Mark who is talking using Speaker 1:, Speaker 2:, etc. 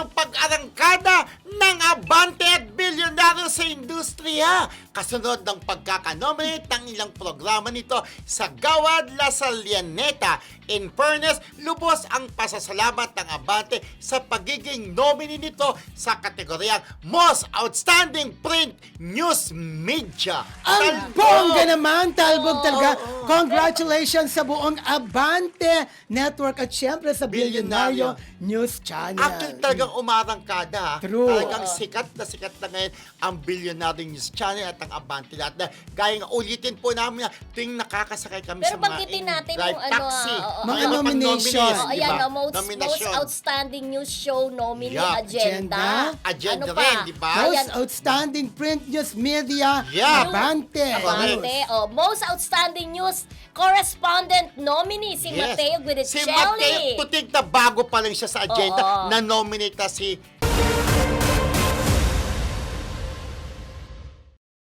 Speaker 1: ang pag-arangkada ng Abante at bilyonaryo sa industriya. Kasunod ng pagkakanominate ng ilang programa nito sa Gawad La Salianeta. In fairness, lubos ang pasasalamat ng Abante sa pagiging nominee nito sa kategoryang Most Outstanding Print News Media.
Speaker 2: Ang bongga naman, talbog talaga. Congratulations sa buong Abante Network at syempre sa Bilyonaryo News Channel.
Speaker 1: Actually, talagang umarangkada.
Speaker 2: True.
Speaker 1: Talagang sikat na ngayon ang Bilyonaryo News Channel at ang Abante lahat. Na, gaya nga, ulitin po namin na tuwing nakakasakay kami
Speaker 3: Pero
Speaker 1: sa mga
Speaker 3: banggitin natin
Speaker 1: drive
Speaker 3: yung
Speaker 1: taxi.
Speaker 2: Mga nomination.
Speaker 3: Oh, ayan, most outstanding news show nominee
Speaker 1: Yeah.
Speaker 3: agenda.
Speaker 1: Agenda
Speaker 3: Ano pa?
Speaker 1: rin, di ba?
Speaker 2: Most
Speaker 3: Ayan,
Speaker 2: Outstanding Print News Media,
Speaker 1: Yeah.
Speaker 2: Abante.
Speaker 3: Abante. Oh, most outstanding news correspondent nominee si Mateo
Speaker 1: Si
Speaker 3: Guidicelli.
Speaker 1: Mateo, tutig na bago pa lang siya sa agenda
Speaker 3: Oo.
Speaker 1: na nominate na si